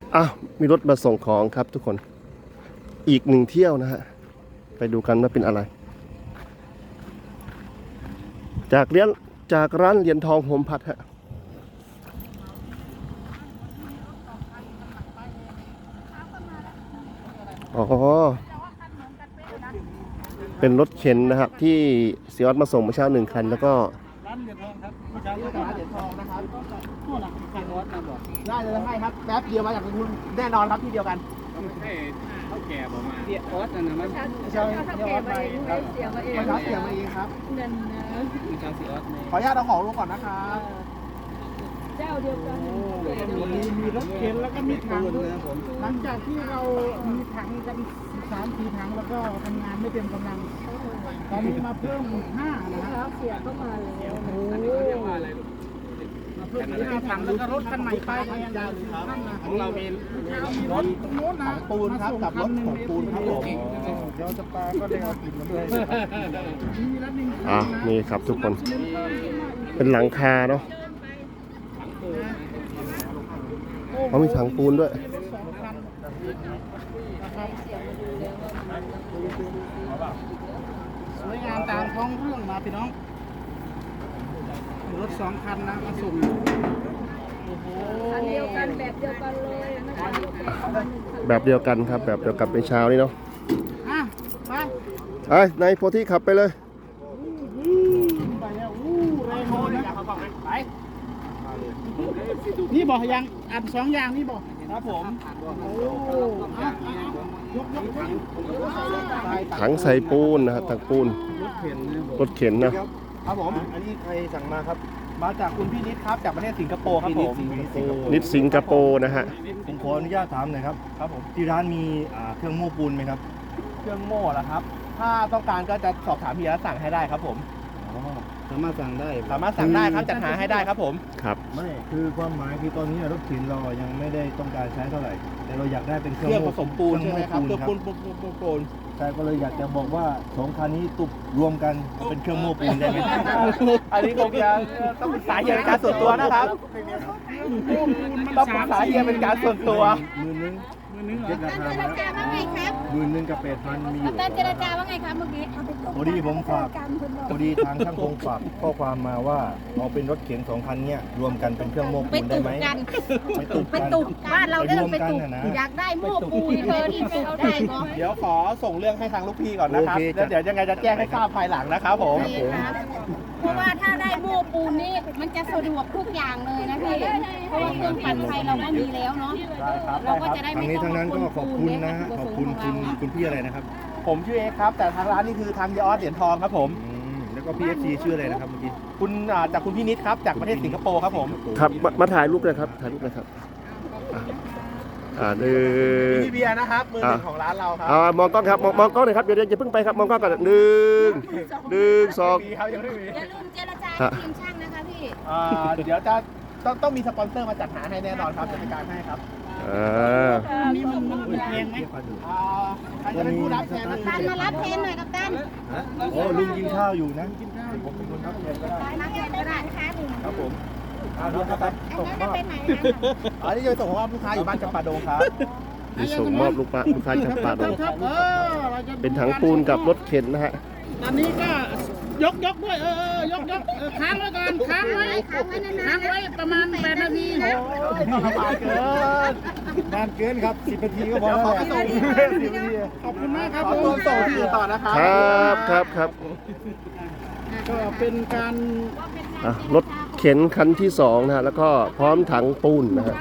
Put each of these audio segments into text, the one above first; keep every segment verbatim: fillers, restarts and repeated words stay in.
อ้าวมีรถมาส่งของครับทุกคนอีกหนึ่งเที่ยวนะฮะไปดูกันว่าเป็นอะไรจากเรียนจากร้านเหรียญทองโฮมพัดฮะอ๋อเป็นรถเข็นนะครับที่เสียออดมาส่งเมื่อเช้าหนึ่งคันแล้วก็ร้านเหรียญทองครับเมื่อเช้าเรียกร้านเหรียญทองนะครับนู่นน่ะคันรถนะบอกได้เลยให้ครับแป๊บเดียวมาจากคุณแน่นอนครับที่เดียวกันไม่ใช่เท่าแก่ผมมาเสียออสนะมันใช่เท่าแก่มาเองครับเสียมาเองเสียมาเองครับนั่นนะมีชาวเสียออสขออนุญาตเอาของลงก่อนนะครับเจ้าเดียวกันมีมีรถเข็นแล้วก็มีถังหลังจากที่เรามีถังกันสามสี่ถังแล้วก็ทำงานไม่เต็มกำลังตอนนี้มาเพิ่มห้านะครับเสียเข้ามาแล้วโอ้โหมาอะไรมาเพิ่มห้าถังแล้วก็รถคันใหม่ไปแทนของเรามีมีรถตรงโน้นนะปูนครับกับรถของปูนครับผมเดี๋ยวจะปลาก็ได้เอาติดมาด้วยอ่ะนี่ครับทุกคนเป็นหลังคาเนาะเขามีถังปูนด้วยสวยงามตามท้องเรื่องมาพี่น้องรถสองคันนะมาส่งคันเดียวกันแบบเดียวกันเลยแบบเดียวกันครับแบบเดียวกับในเช้านี้เนาะอ่ะไปไอ้ในโพธิขับไปเลยไปแล้วอู้แรงเลยนะไปนี่บอกยังอันสองอย่างนี่บอกครับผมโอ้ยกยกถังใส่ปูนนะครับถังปูนรถเข็นนะครับผมอันนี้ใครสั่งมาครับมาจากคุณพี่นิดครับจากประเทศสิงคโปร์ครับผมนิดสิงคโปร์นะฮะผมขออนุญาตถามหน่อยครับครับผมที่ร้านมีเครื่องโม้ปูนไหมครับเครื่องโม่เหรอครับถ้าต้องการก็จะสอบถามพี่แล้วสั่งให้ได้ครับผมสามารถสั่งได้สามารถสั่งได้ครับจัดหาให้ได้ครับผมครับไม่คือความหมายคือตอนนี้รถเข็นเรายังไม่ได้ต้องการใช้เท่าไหร่แต่เราอยากได้เป็นเครื่องผสมปูนใช่ไหมครับเครื่องปูนปูนปูนใช่ก็เลยอยากจะบอกว่าสองคันนี้ตุบรวมกันเป็นเครื่องโม้ปูนได้ไหมอันนี้คงจะต้องปรึกษาเฮียเป็นการส่วนตัวนะครับต้องปรึกษาเฮียเป็นการส่วนตัวหมื่นนึงเจรจาว่าไงครับหมื่นนึงกับแปดพันมีอยู่แต่เจรจาว่าไงครับเมื่อกี้พอดีผมฝากพอดีทางช่างคงฝากข้อความมาว่าเอาเป็นรถเข็นสองคันเนี้ยรวมกันเป็นเครื่องโม้ปูนได้ไหมไปตุกไปตุกบ้านเราได้ไปตุกอยากได้โม้ปูนเธอที่ไปเอาได้ก็เดี๋ยวขอส่งเรื่องให้ทางลูกพี่ก่อนนะครับแล้วเดี๋ยวยังไงจะแจ้งให้ทราบภายหลังนะครับผมเพราะว่าถ้าได้โม้ปูนนี่มันจะสะดวกทุกอย่างเลยนะพี่เพราะว่าเครื่องปั่นไฟเราก็มีแล้วเนาะเราก็จะได้ไม่ต้องทางนั้นก็ขอบคุณนะขอบคุณคุณคุณพี่อะไรนะครับผมชื่อเอกครับแต่ทางร้านนี่คือทางยอดเหรียญทองครับผมแล้วก็พี่เอฟซีชื่ออะไรนะครับเมื่อกี้คุณจากคุณพี่นิดครับจากประเทศสิงคโปร์ครับผมครับมาถ่ายรูปเลยครับถ่ายรูปเลยครับอ่าหนึ่งพี่เบียร์นะครับมือหนึ่งของร้านเราครับอ่ามองกล้องครับมองมองกล้องหน่อยครับเดี๋ยวอย่าเพิ่งไปครับมองกล้องก่อนหนึ่งหนึ่งสองอย่าลืมเจรจาทีมช่างนะคะพี่อ่าเดี๋ยวจะต้องต้องมีสปอนเซอร์มาจัดหาให้แน่นอนครับจัดการให้ครับอ่านี่มันมันแพงไหมอ่าใครจะเป็นผู้รับแทนกัปตันมารับแทนหน่อยกัปตันโอ้ลุงกินข้าวอยู่นะกินข้าวผมเป็นคนรับแทนก็ได้มาแทนได้นะคะครับผมอ่าดูครับส่งมอบอันนี้จะส่งมอบลูกค้าอยู่บ้านจำปาดงครับมีส่งมอบลูกค้าลูกค้าจำปาดงเป็นถังปูนกับรถเข็นนะฮะตอนนี้ก็ยกยกด้วยเออยกยกค้างไว้ก่อนค้างไว้ค้างไว้ประมาณแปดนาทีโอ้ยนานเกินนานเกินครับสิบนาทีก็พอแล้วขอบคุณมากครับขอตัวส่งที่ต่อนะครับครับครับครับก็เป็นการรถเข็นคันที่สองนะฮะแล้วก็พร้อมถังปูนนะฮะ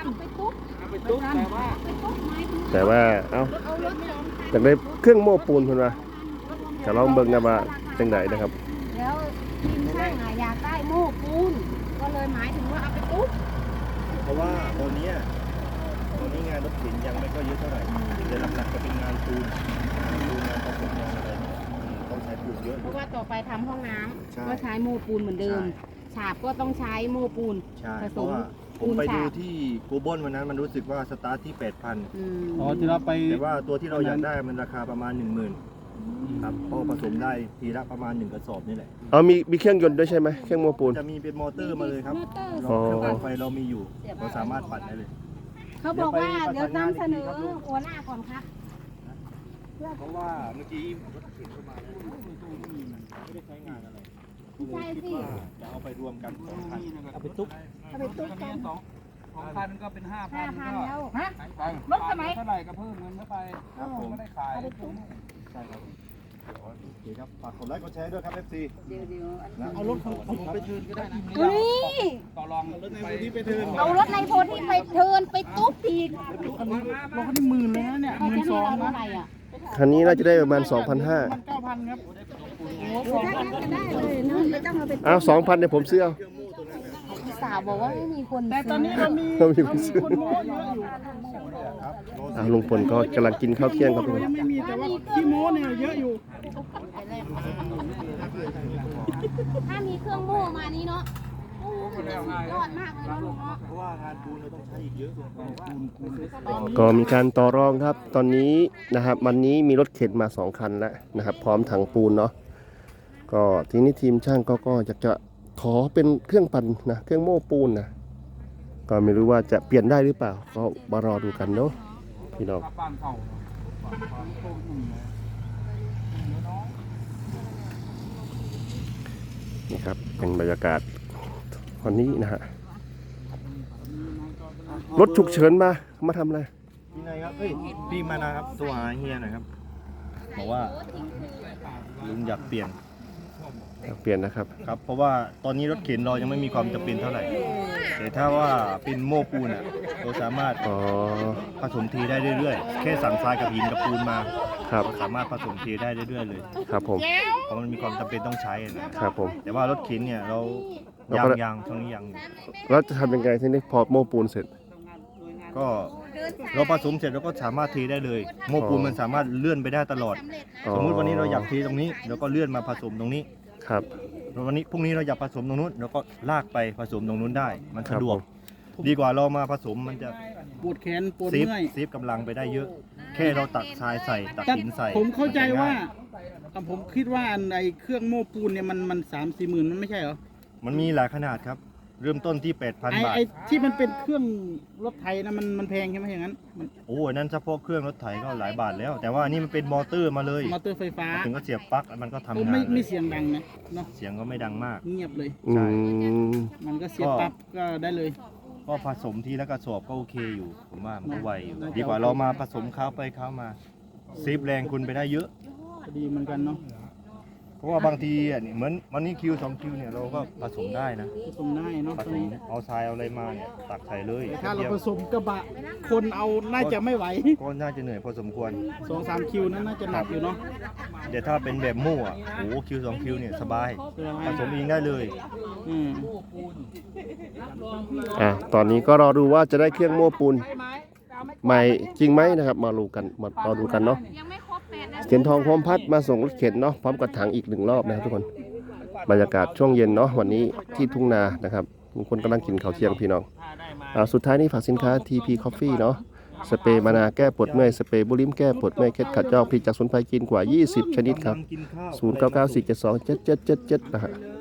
แต่ว่าเอ้าอยากได้เครื่องโม้ปูนคุณว่าจะลองเบิ่งกันว่าจังไหนนะครับแล้วทีมช่างอยากได้โม้ปูนก็เลยหมายถึงว่าเอาไปตุ๊บเพราะว่าตอนนี้ตอนนี้งานรถเข็นยังไม่ก็เยอะเท่าไหร่แต่หลักๆจะเป็นงานปูนงานปูนงานผสมงานอะไรต้องใช้ปูนเยอะเพราะว่าต่อไปทำห้องน้ำก็ใช้โม้ปูนเหมือนเดิมฉาบก็ต้องใช้โม้ปูนผสมผมไปดูที่กูบอนวันนั้นมันรู้สึกว่าสตาร์ทที่ แปดพันอ๋อที่เราไปแต่ว่าตัวที่เราอยากได้มันราคาประมาณ หนึ่งหมื่น ครับพอผสมได้ทีละประมาณหนึ่งกระสอบนี่แหละอ๋อมีมีเครื่องยนต์ด้วยใช่ไหมเครื่องโม้ปูนจะมีเป็นมอเตอร์มาเลยครับเครื่องปั่นไฟเรามีอยู่เราสามารถปั่นได้เลยเขาบอกว่าเดี๋ยวนำเสนอหัวหน้าก่อนครับเพราะว่าเมื่อกี้รถเข็นเข้ามาแล้วไม่ได้ใช้งานอะไรใช่สิจะเอาไปรวมกันสองคันเอาไปตุ๊กเอาไปตุ๊กกันสองสองพันก็เป็นห้าพัห้าน พันแล้วฮะรถไหนเท่าไหร่ก็เพิ่มเงินเข้าไปครับผมไม่ได้ขายเอาไปตุ๊กใช่ครับโอเคครับฝากกดไลค์กดแชร์ด้วยครับ เอฟ ซีเดี๋ยวเดี๋ยวเอารถของผมไปเทิร์นก็ได้นะเฮ้ยต่อรองรถในพื้นที่ไปเทิร์นเอารถในโพธิไปเทิร์นไปตุ๊กอีกอันนี้รถคันนี้หมื่นเลยนะเนี่ยหเขามื่นจะสให้องเรานะเท่าไหร่อ่ะคันนี้น่าจะได้ประมาณ สองพันห้าร้อยมันเก้าพันครับโอ้โหถ้างั้นก็ได้เลยเนอะไม่ต้องเอาไปอ้าว สองพันเนี่ยผมซื้อเอาพี่สาวบอกว่าไม่มีคนแต่ตอนนี้เรามีเรามีเราคนมีซื้อคนโม้เยอะอยู่อ่าลุงพลก็กำลังกินข้าวเที่ยงครับทุกคนยังไม่มีแต่ว่าขี้โม้เนี่ยเยอะอยู่ถ้ามีเครื่องโม่มานี้เนาะโอ้มันจะสุดยอดมากเลยเนาะลุงเนาะเพราะว่างานปูนเราต้องใช้อีกเยอะก็มีการต่อรองครับ ตอนนี้นะครับวันนี้มีรถเข็นมาสองคันแล้วนะครับ พร้อมถังปูนเนาะก็ทีนี้ทีมช่างก็ก็อยากจะขอเป็นเครื่องปั่นนะเครื่องโม้ปูนนะก็ไม่รู้ว่าจะเปลี่ยนได้หรือเปล่าก็มารอดูกันเนาะพี่น้องบ้านเขาบ้านเขาโตหนึ่งเลยนี่ครับเป็นบรรยากาศวันนี้นะฮะรถฉุกเฉินมามาทำอะไรพี่นายครับเอ้ยพี่มานะครับตัวหาเฮียหน่อยครับบอกว่าลุงอยากเปลี่ยนเปลี่ยนนะครับครับ เพราะว่าตอนนี้รถเข็นเรายังไม่มีความจำเป็นเท่าไหร่แต่ถ้าว่าเป็นโม้ปูนอ่ะเราสามารถอ๋อผสมเทได้เรื่อยๆแค่สั่งทรายกับหินกับปูนมาครับเราสามารถผสมเทได้เรื่อยๆเลยครับผมเพราะมันมีความจำเป็นต้องใช้นะครับผมแต่ว่ารถเข็นเนี่ยเราเรายาก็งยางช่วงนี้ยังอยู่แล้วจะทำยังไงทีนี้พอโม้ปูนเสร็จก็เราผสมเสร็จเราก็สามารถเทได้เลยโม้ปูนมันสามารถเลื่อนไปได้ตลอดอ๋อสมมุติวันนี้เราอยากเทตรงนี้เราก็เลื่อนมาผสมตรงนี้ครับวันนี้พรุ่งนี้เราอยากผสมตรงนู้นเราก็ลากไปผสมตรงนู้นได้ มันครับสะดวก ดีกว่าเรามาผสมมันจะปวดแขนปวดเซฟเมื่อยเซฟกำลังไปได้เยอะ แค่เราตักทรายใส่ตักแต่หินใส่ผมเข้าใจว่าง่ยอ่ะผมคิดว่าอันไอเครื่องโม้ปูนเนี่ยมันมันสามสี่หมื่นมันไม่ใช่เหรอมันมีหลายขนาดครับ เริ่มต้นที่ แปดพันไอบาทไอที่มันเป็นเครื่องรถไถนะมันมันแพงใช่ไหมอย่างนั้นมันโอ้อันนั้นเฉพาะเครื่องรถไถก็หลายบาทแล้ว แต่ว่าอันนี่มันเป็นมอเตอร์มาเลยมอเตอร์ไฟฟ้าถึงก็เสียบปลั๊กแล้วมันก็ทำโอ้งานไม่เลไม่ยเสียงดังนะเนาะเสียงก็ไม่ดังมากเงียบเลยอืมมันก็เสียบปั๊บก็ได้เลยก็ผสมทีละกระสอบก็โอเคอยู่ ผมว่ามันก็ไวอยู่ ดีกว่าเรามาผสมข้าวไปข้าวมาเซฟแรงคุณไปได้เยอะดีเหมือนกันเนาะเพราะว่าบางทีอ่ะนี่เหมือนวันนี้คิวสองคิวเนี่ยเราก็ผสมได้นะผสมได้เนาะผตรสงมนี้เอาทรายเอาอะไรมาเนี่ยตักใส่เลยถ้าเราเดียวผสมกระบะ คนเอาน่าจะไม่ไหวก็น่าจะเหนื่อยพอสมควรสองสามคิวนั้นน่าจะหนักอยู่เนาะเดี๋ยวถ้าเป็นแบบมู่อ่ะโอ้โหคิวสองคิวเนี่ยสบายใช่ไหมผสมเองได้เลยอืมอ่ะตอนนี้ก็รอดูว่าจะได้เครื่องโม้ปูนใหม่จริงไหมนะครับ มาดูกันมารอดูกันเนาะยังไม่ครบแปดนาทีเข็นทองพร้อมพัดมาส่งรถเข็นเนาะพร้อมกับถังอีกหนึ่งรอบนะครับทุกคนบรรยากาศช่วงเย็นเนาะวันนี้ที่ทุ่งนานะครับทุกคนกำลังกินข้าวเที่ยงพี่น้องอ่าสุดท้ายนี้ฝากสินค้า ที พี Coffee เนาะสเปรย์มานาแก้ปวดเมื่อยสเปรย์บุลิมแก้ปวดเมื่อยเคล็ดขัดยอกผลิตจากสมุนไพรจีนกว่ายี่สิบชนิดครับกินข้าวศูนย์ เก้า เก้า สี่ เจ็ด สอง เจ็ด เจ็ด เจ็ด เจ็ดนะฮะเล